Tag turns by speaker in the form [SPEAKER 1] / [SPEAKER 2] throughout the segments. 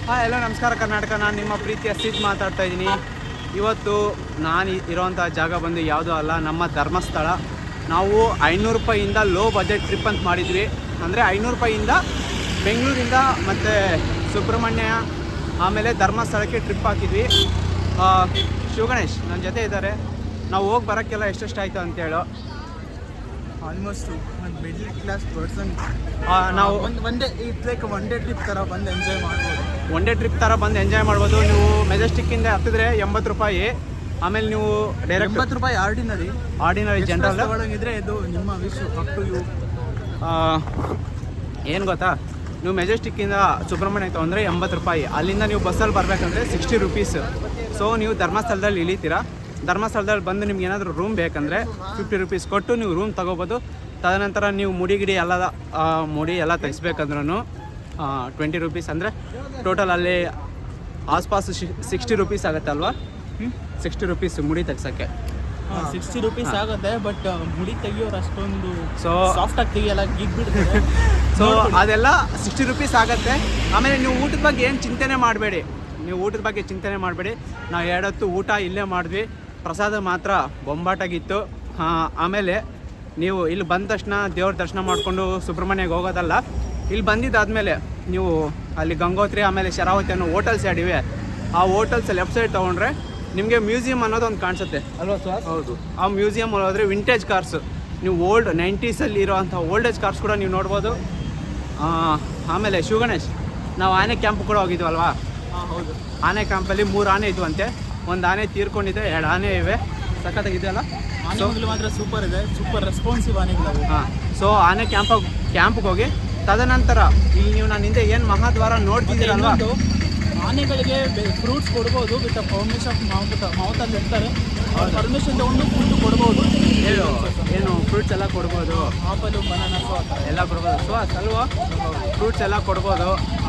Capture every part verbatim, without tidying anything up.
[SPEAKER 1] ಹಾಂ ಎಲ್ಲ ನಮಸ್ಕಾರ ಕರ್ನಾಟಕ. ನಾನು ನಿಮ್ಮ ಪ್ರೀತಿಯ ಸಿದ್ ಮಾತಾಡ್ತಾ ಇದ್ದೀನಿ. ಇವತ್ತು ನಾನು ಇರೋವಂಥ ಜಾಗ ಬಂದು ಯಾವುದೂ ಅಲ್ಲ, ನಮ್ಮ ಧರ್ಮಸ್ಥಳ. ನಾವು ಐನೂರು ರೂಪಾಯಿಯಿಂದ ಲೋ ಬಜೆಟ್ ಟ್ರಿಪ್ ಅಂತ ಮಾಡಿದ್ವಿ. ಅಂದರೆ ಐನೂರು ರೂಪಾಯಿಯಿಂದ ಬೆಂಗಳೂರಿಂದ ಮತ್ತು ಸುಬ್ರಹ್ಮಣ್ಯ ಆಮೇಲೆ ಧರ್ಮಸ್ಥಳಕ್ಕೆ ಟ್ರಿಪ್ ಹಾಕಿದ್ವಿ. ಶಿವಗಣೇಶ್ ನನ್ನ ಜೊತೆ ಇದ್ದಾರೆ. ನಾವು ಹೋಗಿ ಬರೋಕ್ಕೆಲ್ಲ ಎಷ್ಟೆಷ್ಟು ಆಯಿತು ಅಂತೇಳು.
[SPEAKER 2] ಆಲ್ಮೋಸ್ಟ್ ಒಂದು ಮಿಡ್ಲ್ ಕ್ಲಾಸ್ ಪರ್ಸನ್
[SPEAKER 1] ನಾವು
[SPEAKER 2] ಒಂದು one day it's like one day trip ಥರ ಬಂದು ಎಂಜಾಯ್ ಮಾಡ್ಬೋದು.
[SPEAKER 1] ಒನ್ ಡೇ ಟ್ರಿಪ್ ಥರ ಬಂದು ಎಂಜಾಯ್ ಮಾಡ್ಬೋದು. ನೀವು ಮೆಜೆಸ್ಟಿಕ್ಕಿಂದ ಹತ್ತಿದ್ರೆ ಎಂಬತ್ತು ರೂಪಾಯಿ. ಆಮೇಲೆ ನೀವು ಡೈರೆಕ್ಟ್
[SPEAKER 2] ಎಂಬತ್ತು ರೂಪಾಯಿ ಆರ್ಡಿನರಿ
[SPEAKER 1] ಆರ್ಡಿನರಿ ಜನರಲ್
[SPEAKER 2] ತಗೊಳಂಗಿದ್ರೆ ಇದು ನಿಮ್ಮ ವಿಶ್ ಅಪ್ ಟು ಯು.
[SPEAKER 1] ಏನು ಗೊತ್ತಾ, ನೀವು ಮೆಜೆಸ್ಟಿಕ್ಕಿಂದ ಸುಬ್ರಹ್ಮಣ್ಯ ತೊಗೊಂಡ್ರೆ ಎಂಬತ್ತು ರೂಪಾಯಿ. ಅಲ್ಲಿಂದ ನೀವು ಬಸ್ಸಲ್ಲಿ ಬರಬೇಕಂದ್ರೆ ಸಿಕ್ಸ್ಟಿ ರುಪೀಸ್. ಸೊ ನೀವು ಧರ್ಮಸ್ಥಳದಲ್ಲಿ ಇಳಿತೀರಾ. ಧರ್ಮಸ್ಥಳದಲ್ಲಿ ಬಂದು ನಿಮ್ಗೆ ಏನಾದರೂ ರೂಮ್ ಬೇಕಂದರೆ ಫಿಫ್ಟಿ ರುಪೀಸ್ ಕೊಟ್ಟು ನೀವು ರೂಮ್ ತೊಗೋಬೋದು. ತದನಂತರ ನೀವು ಮುಡಿ ಗಿಡಿ ಎಲ್ಲ ಮುಡಿ ಎಲ್ಲ ತೆಗಿಸ್ಬೇಕಂದ್ರೂ ಟ್ವೆಂಟಿ ರುಪೀಸ್. ಅಂದರೆ ಟೋಟಲ್ ಅಲ್ಲಿ ಆಸ್ಪಾಸ್ ಸಿಕ್ಸ್ಟಿ ರುಪೀಸ್ ಆಗುತ್ತೆ ಅಲ್ವಾ? ಸಿಕ್ಸ್ಟಿ ರುಪೀಸ್ ಮುಡಿ ತೆಗ್ಸೋಕ್ಕೆ
[SPEAKER 2] ಸಿಕ್ಸ್ಟಿ ರುಪೀಸ್ ಆಗುತ್ತೆ. ಬಟ್ ಮುಡಿ ತೆಗಿಯೋರು ಅಷ್ಟೊಂದು
[SPEAKER 1] ಸೊ
[SPEAKER 2] ಸಾಫ್ಟಾಗಿ ತೆಗಿಯಲ್ಲ, ಗಿಗ್ ಬಿಡ್ತಾರೆ.
[SPEAKER 1] ಸೊ ಅದೆಲ್ಲ ಸಿಕ್ಸ್ಟಿ ರುಪೀಸ್ ಆಗುತ್ತೆ. ಆಮೇಲೆ ನೀವು ಊಟದ ಬಗ್ಗೆ ಏನು ಚಿಂತೆನೇ ಮಾಡಬೇಡಿ. ನೀವು ಊಟದ ಬಗ್ಗೆ ಚಿಂತೆನೇ ಮಾಡಬೇಡಿ. ನಾವು ಎರಡೊತ್ತು ಊಟ ಇಲ್ಲೇ ಮಾಡಿದ್ವಿ. ಪ್ರಸಾದ ಮಾತ್ರ ಬೊಂಬಾಟಾಗಿತ್ತು. ಆಮೇಲೆ ನೀವು ಇಲ್ಲಿ ಬಂದ ತಕ್ಷಣ ದೇವ್ರ ದರ್ಶನ ಮಾಡಿಕೊಂಡು ಸುಬ್ರಹ್ಮಣ್ಯಗೆ ಹೋಗೋದಲ್ಲ. ಇಲ್ಲಿ ಬಂದಿದ್ದಾದಮೇಲೆ ನೀವು ಅಲ್ಲಿ ಗಂಗೋತ್ರಿ ಆಮೇಲೆ ಶರಾವತಿ ಅನ್ನೋ ಹೋಟೆಲ್ಸ್ ಎರಡಿವೆ. ಆ ಹೋಟೆಲ್ಸ್ ಲೆಫ್ಟ್ ಸೈಡ್ ತೊಗೊಂಡ್ರೆ ನಿಮಗೆ ಮ್ಯೂಸಿಯಂ ಅನ್ನೋದು ಒಂದು ಕಾಣಿಸುತ್ತೆ ಅಲ್ವಾ ಸರ್? ಹೌದು. ಆ ಮ್ಯೂಸಿಯಂ ಹೋದರೆ ವಿಂಟೇಜ್ ಕಾರ್ಸ್, ನೀವು ಓಲ್ಡ್ ನೈಂಟೀಸಲ್ಲಿ ಇರೋವಂಥ ಓಲ್ಡೇಜ್ ಕಾರ್ಸ್ ಕೂಡ ನೀವು ನೋಡ್ಬೋದು. ಆಮೇಲೆ ಶಿವಗಣೇಶ್, ನಾವು ಆನೆ ಕ್ಯಾಂಪ್ ಕೂಡ ಹೋಗಿದ್ವಲ್ವಾ?
[SPEAKER 2] ಹಾಂ ಹೌದು.
[SPEAKER 1] ಆನೆ ಕ್ಯಾಂಪಲ್ಲಿ ಮೂರು ಆನೆ ಇದ್ವು ಅಂತೆ. ಒಂದು ಆನೆ ತೀರ್ಕೊಂಡಿದೆ, ಎರಡು ಆನೆ ಇವೆ. ಸಖತ್ತಾಗಿದೆ ಅಲ್ಲ?
[SPEAKER 2] ಆನೆಗಳು ಮಾತ್ರ ಸೂಪರ್ ಇದೆ, ಸೂಪರ್ ರೆಸ್ಪಾನ್ಸಿವ್ ಆನೆಗಳು.
[SPEAKER 1] ಹಾಂ. ಸೊ ಆನೆ ಕ್ಯಾಂಪ್ ಕ್ಯಾಂಪ್ಗೆ ಹೋಗಿ ತದನಂತರ ಇಲ್ಲಿ ನೀವು ನಾನು ಹಿಂದೆ ಏನು ಮಹಾದ್ವಾರ ನೋಡ್ತಿದ್ದೀರಲ್ವಾ,
[SPEAKER 2] ಆನೆಗಳಿಗೆ ಫ್ರೂಟ್ಸ್ ಕೊಡ್ಬೋದು ವಿತ್ ಪರ್ಮಿಷನ್ ಮಾವುತ ಮಾವುತಲ್ಲಿ ಇರ್ತಾರೆ. ಪರ್ಮಿಷನ್ ತೊಗೊಂಡು ಫುಡ್ ಕೊಡ್ಬೋದು.
[SPEAKER 1] ಹೇಳು ಏನು ಫ್ರೂಟ್ಸ್ ಎಲ್ಲ ಕೊಡ್ಬೋದು,
[SPEAKER 2] ಆಪಲು ಬನಾನಸು
[SPEAKER 1] ಎಲ್ಲ ಕೊಡ್ಬೋದು. ಸೊ ಅಲ್ವಾ, ಫ್ರೂಟ್ಸ್ ಎಲ್ಲ ಕೊಡ್ಬೋದು.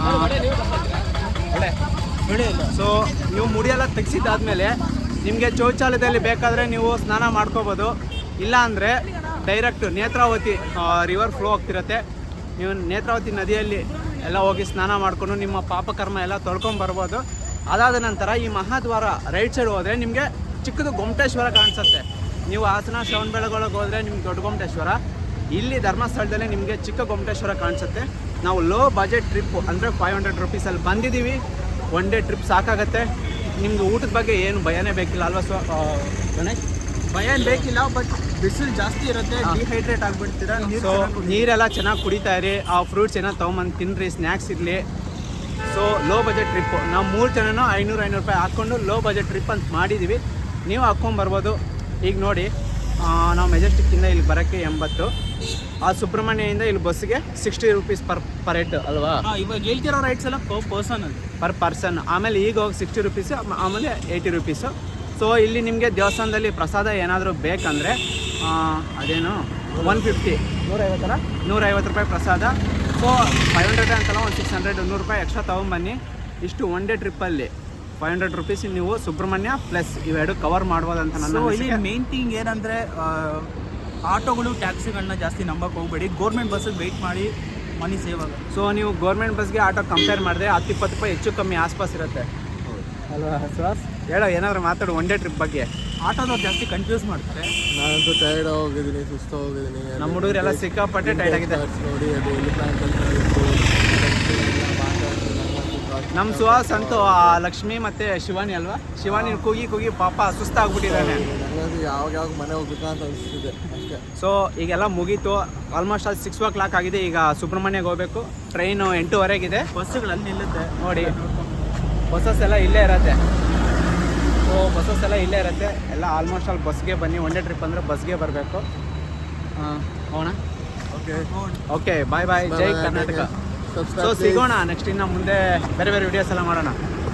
[SPEAKER 2] ಬೆಳೆ ಇಲ್ಲ.
[SPEAKER 1] ಸೊ ನೀವು ಮುಡಿಯೆಲ್ಲ ತೆಗ್ಸಿದ್ದಾದ್ಮೇಲೆ ನಿಮಗೆ ಶೌಚಾಲಯದಲ್ಲಿ ಬೇಕಾದರೆ ನೀವು ಸ್ನಾನ ಮಾಡ್ಕೋಬೋದು. ಇಲ್ಲ ಅಂದರೆ ಡೈರೆಕ್ಟ್ ನೇತ್ರಾವತಿ ರಿವರ್ ಫ್ಲೋ ಆಗ್ತಿರತ್ತೆ. ನೀವು ನೇತ್ರಾವತಿ ನದಿಯಲ್ಲಿ ಎಲ್ಲ ಹೋಗಿ ಸ್ನಾನ ಮಾಡಿಕೊಂಡು ನಿಮ್ಮ ಪಾಪಕರ್ಮ ಎಲ್ಲ ತೊಳ್ಕೊಂಬರ್ಬೋದು. ಅದಾದ ನಂತರ ಈ ಮಹಾದ್ವಾರ ರೈಟ್ ಸೈಡ್ ಹೋದರೆ ನಿಮಗೆ ಚಿಕ್ಕದು ಗೊಮ್ಮಟೇಶ್ವರ ಕಾಣಿಸುತ್ತೆ. ನೀವು ಹಾಸನ ಶ್ರವಣಬೆಳಗೊಳಗೆ ಹೋದರೆ ನಿಮ್ಗೆ ದೊಡ್ಡ ಗೊಮ್ಮಟೇಶ್ವರ. ಇಲ್ಲಿ ಧರ್ಮಸ್ಥಳದಲ್ಲೇ ನಿಮಗೆ ಚಿಕ್ಕ ಗೊಮ್ಮಟೇಶ್ವರ ಕಾಣಿಸುತ್ತೆ. ನಾವು ಲೋ ಬಜೆಟ್ ಟ್ರಿಪ್ಪು ಅಂದರೆ ಫೈವ್ ಹಂಡ್ರೆಡ್ ರುಪೀಸಲ್ಲಿ ಬಂದಿದ್ದೀವಿ. ಒನ್ ಡೇ ಟ್ರಿಪ್ ಸಾಕಾಗತ್ತೆ. ನಿಮ್ಗೆ ಊಟದ ಬಗ್ಗೆ ಏನು ಭಯನೇ ಬೇಕಿಲ್ಲ ಅಲ್ವಾ? ಸೊ ಗಣೇಶ್,
[SPEAKER 2] ಭಯ ಬೇಕಿಲ್ಲ. ಬಟ್ ಬಿಸಿಲು ಜಾಸ್ತಿ ಇರುತ್ತೆ, ಡಿಹೈಡ್ರೇಟ್ ಆಗಿಬಿಡ್ತೀರಾ.
[SPEAKER 1] ಸೊ ನೀರೆಲ್ಲ ಚೆನ್ನಾಗಿ ಕುಡಿತಾ ಇರಿ. ಆ ಫ್ರೂಟ್ಸ್ ಏನೋ ತೊಗೊಂಬಂದು ತಿನ್ನಿರಿ, ಸ್ನ್ಯಾಕ್ಸ್ ಇರಲಿ. ಸೊ ಲೋ ಬಜೆಟ್ ಟ್ರಿಪ್ಪು ನಾವು ಮೂರು ಜನನೂ ಐನೂರು ಐನೂರು ರೂಪಾಯಿ ಹಾಕ್ಕೊಂಡು ಲೋ ಬಜೆಟ್ ಟ್ರಿಪ್ ಅಂತ ಮಾಡಿದ್ದೀವಿ. ನೀವು ಹಾಕ್ಕೊಂಬರ್ಬೋದು. ಈಗ ನೋಡಿ, ನಾವು ಮೆಜೆಸ್ಟಿಕ್ಕಿಂದ ಇಲ್ಲಿ ಬರೋಕ್ಕೆ ಎಂಬತ್ತು, ಆ ಸುಬ್ರಹ್ಮಣ್ಯದಿಂದ ಇಲ್ಲಿ ಬಸ್ಸಿಗೆ sixty rupees per per head ಅಲ್ವಾ?
[SPEAKER 2] ಇವಾಗ ಹೇಳ್ತಿರೋ ರೈಟ್ಸ್ ಎಲ್ಲ ಪರ್ ಪರ್ಸನ್ ಅದು
[SPEAKER 1] ಪರ್ ಪರ್ಸನ್. ಆಮೇಲೆ ಈಗ ಹೋಗಿ ಸಿಕ್ಸ್ಟಿ ರುಪೀಸು, ಆಮೇಲೆ ಏಯ್ಟಿ ರುಪೀಸು. ಸೊ ಇಲ್ಲಿ ನಿಮಗೆ ದೇವಸ್ಥಾನದಲ್ಲಿ ಪ್ರಸಾದ ಏನಾದರೂ ಬೇಕಂದರೆ ಅದೇನು ಒನ್ ಫಿಫ್ಟಿ ನೂರೈವತ್ತರ ನೂರೈವತ್ತು ರೂಪಾಯಿ ಪ್ರಸಾದ. ಸೊ ಫೈವ್ ಹಂಡ್ರೆಡ್ ಅಂತಲ್ಲ, ಒಂದು ಸಿಕ್ಸ್ ಹಂಡ್ರೆಡ್ ನೂರು ರೂಪಾಯಿ ಎಕ್ಸ್ಟ್ರಾ ತೊಗೊಂಬನ್ನಿ. ಇಷ್ಟು ಒನ್ ಡೇ ಟ್ರಿಪ್ಪಲ್ಲಿ ಫೈವ್ ಹಂಡ್ರೆಡ್ ರುಪೀಸ್ ನೀವು ಸುಬ್ರಹ್ಮಣ್ಯ ಪ್ಲಸ್ ಇವೆರಡು ಕವರ್ ಮಾಡ್ಬೋದು ಅಂತ ನನ್ನ
[SPEAKER 2] ಇಲ್ಲಿ ಮೇನ್ ಥಿಂಗ್ ಏನಂದರೆ ಆಟೋಗಳು ಟ್ಯಾಕ್ಸಿಗಳನ್ನ ಜಾಸ್ತಿ ನಂಬಕ್ಕೆ ಹೋಗಬೇಡಿ. ಗೋರ್ಮೆಂಟ್ ಬಸ್ಸಿಗೆ ವೆಯ್ಟ್ ಮಾಡಿ, ಮನಿ ಸೇವ್ ಆಗುತ್ತೆ.
[SPEAKER 1] ಸೊ ನೀವು ಗೌರ್ಮೆಂಟ್ ಬಸ್ಗೆ ಆಟೋ ಕಂಪೇರ್ ಮಾಡಿದ್ರೆ ಹತ್ತು ಇಪ್ಪತ್ತು ರೂಪಾಯಿ ಹೆಚ್ಚು ಕಮ್ಮಿ ಆಸ್ಪಾಸ್ ಇರುತ್ತೆ ಅಲ್ವಾ ಸರ್? ಹೇಳೋ ಏನಾದರೂ ಮಾತಾಡು ಒನ್ ಡೇ ಟ್ರಿಪ್ ಬಗ್ಗೆ.
[SPEAKER 2] ಆಟೋದವ್ರು ಜಾಸ್ತಿ ಕನ್ಫ್ಯೂಸ್ ಮಾಡ್ತಾರೆ.
[SPEAKER 3] ನಾನಂತೂ ಟೈರ್ಡ್ ಹೋಗಿದ್ದೀನಿ, ಸುಸ್ತು ಹೋಗಿದ್ದೀನಿ.
[SPEAKER 1] ನಮ್ಮ ಹುಡುಗರೆಲ್ಲ ಸಿಕ್ಕಾಪಟ್ಟೆ ಟೈರ್ಡ್ ಆಗಿದೆ
[SPEAKER 3] ನೋಡಿ. ಅದು ಎಲ್ಲಿ
[SPEAKER 1] ನಮ್ಮ ಸುಹಾಸ್ ಅಂತೂ ಆ ಲಕ್ಷ್ಮಿ ಮತ್ತು ಶಿವಾನಿ ಅಲ್ವಾ, ಶಿವಾನಿ ಕೂಗಿ ಕೂಗಿ ಪಾಪ ಸುಸ್ತಾಗ್ಬಿಟ್ಟಿದ್ದಾನೆ.
[SPEAKER 3] ನನಗಂತೂ ಯಾವಾಗ ಯಾವಾಗ ಮನೆ ಹೋಗ್ಬೇಕಾ ಅಂತ ಅನಿಸ್ತಿದೆ ಅಷ್ಟೇ.
[SPEAKER 1] ಸೊ ಈಗೆಲ್ಲ ಮುಗೀತು. ಆಲ್ಮೋಸ್ಟ್ ಅದು ಸಿಕ್ಸ್ ಓ ಕ್ಲಾಕ್ ಆಗಿದೆ. ಈಗ ಸುಬ್ರಹ್ಮಣ್ಯಗೆ ಹೋಗಬೇಕು. ಟ್ರೈನು ಎಂಟೂವರೆಗಿದೆ.
[SPEAKER 2] ಬಸ್ಸುಗಳಲ್ಲಿ ನಿಲ್ಲುತ್ತೆ ನೋಡಿ.
[SPEAKER 1] ಬಸ್ಸಸ್ ಎಲ್ಲ ಇಲ್ಲೇ ಇರುತ್ತೆ. ಸೊ ಬಸ್ಸಸ್ ಎಲ್ಲ ಇಲ್ಲೇ ಇರುತ್ತೆ. ಎಲ್ಲ ಆಲ್ಮೋಸ್ಟ್ ಅಲ್ಲಿ ಬಸ್ಗೆ ಬನ್ನಿ. ಒನ್ ಡೇ ಟ್ರಿಪ್ ಅಂದರೆ ಬಸ್ಗೆ ಬರಬೇಕು. ಹೋಗೋಣ.
[SPEAKER 3] Okay
[SPEAKER 1] okay, bye bye. Jai Karnataka. So ಸಿಗೋಣ ನೆಕ್ಸ್ಟ್. ಇನ್ನು ಮುಂದೆ ಬೇರೆ ಬೇರೆ ವಿಡಿಯೋಸ್ ಎಲ್ಲ ಮಾಡೋಣ.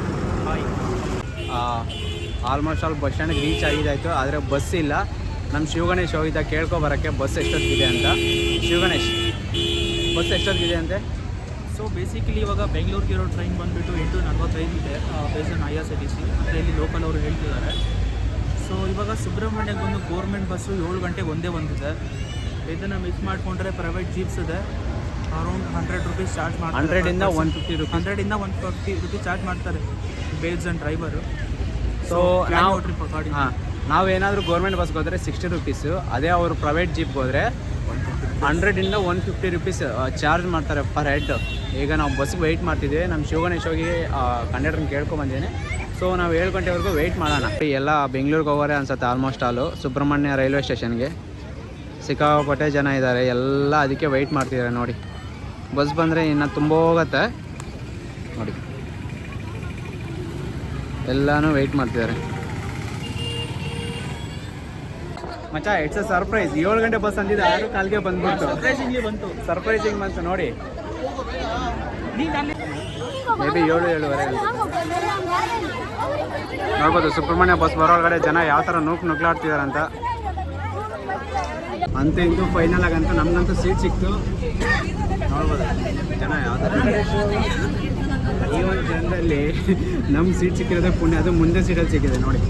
[SPEAKER 1] ಆಲ್ಮೋಸ್ಟ್ ಆಲ್ ಬಸ್ ಸ್ಟ್ಯಾಂಡ್ಗೆ ರೀಚ್ ಆಗಿದ್ದಾಯಿತು. ಆದರೆ ಬಸ್ ಇಲ್ಲ. ನಮ್ಮ ಶಿವಗಣೇಶ್ ಹೋಗಿದ್ದ ಕೇಳ್ಕೊಬರೋಕ್ಕೆ ಬಸ್ ಎಷ್ಟೊತ್ತಿಗಿದೆ ಅಂತ. ಶಿವಗಣೇಶ್, ಬಸ್ ಎಷ್ಟೊತ್ತಿಗಿದೆ ಅಂತೆ?
[SPEAKER 2] ಸೊ ಬೇಸಿಕಲಿ ಇವಾಗ ಬೆಂಗಳೂರಿಗೆ ಇರೋ ಟ್ರೈನ್ ಬಂದುಬಿಟ್ಟು ಎಂಟು ನಲ್ವತ್ತೈದು ಇದೆ base on I R C T C ಅಂತ ಇಲ್ಲಿ ಲೋಕಲ್ ಅವರು ಹೇಳ್ತಿದ್ದಾರೆ. ಸೊ ಇವಾಗ ಸುಬ್ರಹ್ಮಣ್ಯಕ್ಕೆ ಬಂದು ಗೋರ್ಮೆಂಟ್ ಬಸ್ಸು ಏಳು ಗಂಟೆಗೆ ಒಂದೇ ಬಂದಿದೆ. ಇದನ್ನು ಮಿಸ್ ಮಾಡಿಕೊಂಡ್ರೆ ಪ್ರೈವೇಟ್ ಜೀಪ್ಸ್ ಇದೆ. ಅರೌಂಡ್ ಹಂಡ್ರೆಡ್ ರುಪೀಸ್ ಚಾರ್ಜ್ ಮಾಡ್ತಾರೆ
[SPEAKER 1] ಹಂಡ್ರೆಡಿಂದ ಒನ್ ಫಿಫ್ಟಿ ರುಪೀಸ್.
[SPEAKER 2] ಹಂಡ್ರೆಡಿಂದ ಒನ್ ಫಿಫ್ಟಿ ರುಪೀಸ್ ಚಾರ್ಜ್ ಮಾಡ್ತಾರೆ ಬೇಸ್ಡ್ ಆನ್ ಡ್ರೈವರು.
[SPEAKER 1] ಸೊ ನಾವು
[SPEAKER 2] ಟ್ರಿಪ್ ಅಕಾರ್ಡಿಂಗ್
[SPEAKER 1] ಹಾಂ ನಾವೇನಾದರೂ ಗೌರ್ಮೆಂಟ್ ಬಸ್ಗೆ ಹೋದರೆ ಸಿಕ್ಸ್ಟಿ ರುಪೀಸು, ಅದೇ ಅವರು ಪ್ರೈವೇಟ್ ಜೀಪ್ಗೆ ಹೋದರೆ ಹಂಡ್ರೆಡಿಂದ ಒನ್ ಫಿಫ್ಟಿ ರುಪೀಸ್ ಚಾರ್ಜ್ ಮಾಡ್ತಾರೆ ಪರ್ ಹೆಡ್. ಈಗ ನಾವು ಬಸ್ಗೆ ವೆಯ್ಟ್ ಮಾಡ್ತಿದ್ದೀವಿ. ನಮ್ಮ ಶಿವಗಣೇಶ್ ಹೋಗಿ ಕಂಡಕ್ಟ್ರನ್ನ ಕೇಳ್ಕೊಂಬಂದಿದ್ದೀನಿ. ಸೊ ನಾವು ಏಳು ಗಂಟೆವರೆಗೂ ವೆಯ್ಟ್ ಮಾಡೋಣ. ಎಲ್ಲ ಬೆಂಗಳೂರಿಗೆ ಹೋಗೋರೆ ಅನ್ಸುತ್ತೆ ಆಲ್ಮೋಸ್ಟ್ ಆಲು. ಸುಬ್ರಹ್ಮಣ್ಯ ರೈಲ್ವೆ ಸ್ಟೇಷನ್ಗೆ ಸಿಕ್ಕಾಪಟ್ಟೆ ಜನ ಇದ್ದಾರೆ, ಎಲ್ಲ ಅದಕ್ಕೆ ವೆಯ್ಟ್ ಮಾಡ್ತಿದ್ದಾರೆ ನೋಡಿ. ಬಸ್ ಬಂದರೆ ಇನ್ನು ತುಂಬ ಹೋಗುತ್ತೆ ನೋಡಿ, ಎಲ್ಲನೂ ವೆಯ್ಟ್ ಮಾಡ್ತಿದ್ದಾರೆ. ಮಚ್ಚ ಇಟ್ಸ್ ಅ ಸರ್ಪ್ರೈಸ್. ಏಳು ಗಂಟೆ ಬಸ್ ಅಂದಿದ್ದು ಆರು ಕಾಲ್ಗೆ ಬಂದ್ಬಿಟ್ಟು
[SPEAKER 2] ಸರ್ಪ್ರೈಸಿಂಗ್ಲಿ ಬಂತು.
[SPEAKER 1] ಸರ್ಪ್ರೈಸಿಂಗ್ ಬಂತು ನೋಡಿ. ಮೇ ಬಿ ಏಳು ಏಳುವರೆ ನೋಡ್ಬೋದು ಸುಬ್ರಹ್ಮಣ್ಯ ಬಸ್ ಬರೋಳಗಡೆ ಜನ ಯಾವ ಥರ ನೂಕು ನುಗ್ಲಾಡ್ತಿದ್ದಾರೆ ಅಂತ. ಅಂತೂ ಇಂತೂ ಫೈನಲ್ ಆಗಂತೂ ನಮಗಂತೂ ಸೀಟ್ ಸಿಕ್ತು. ನೋಡ್ಬೋದು ಜನ ಯಾವ ಥರ. ಈ ಒಂದು ಜನರಲ್ಲಿ ನಮ್ಮ ಸೀಟ್ ಸಿಕ್ಕಿರೋದೇ ಪುಣ್ಯ, ಅದು ಮುಂದೆ ಸೀಟಲ್ಲಿ ಸಿಕ್ಕಿದೆ ನೋಡಿ.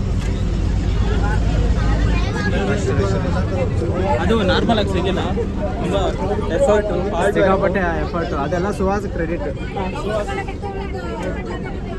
[SPEAKER 2] ಅದು ನಾರ್ಮಲ್ ಆಗಿ ಸಿಗಿಲ್ಲ, ತುಂಬ ಎಫರ್ಟು
[SPEAKER 1] ಸಿಕ್ಕಾಪಟ್ಟೆ ಎಫರ್ಟು, ಅದೆಲ್ಲ ಸುಹಾಸ್ ಕ್ರೆಡಿಟ್.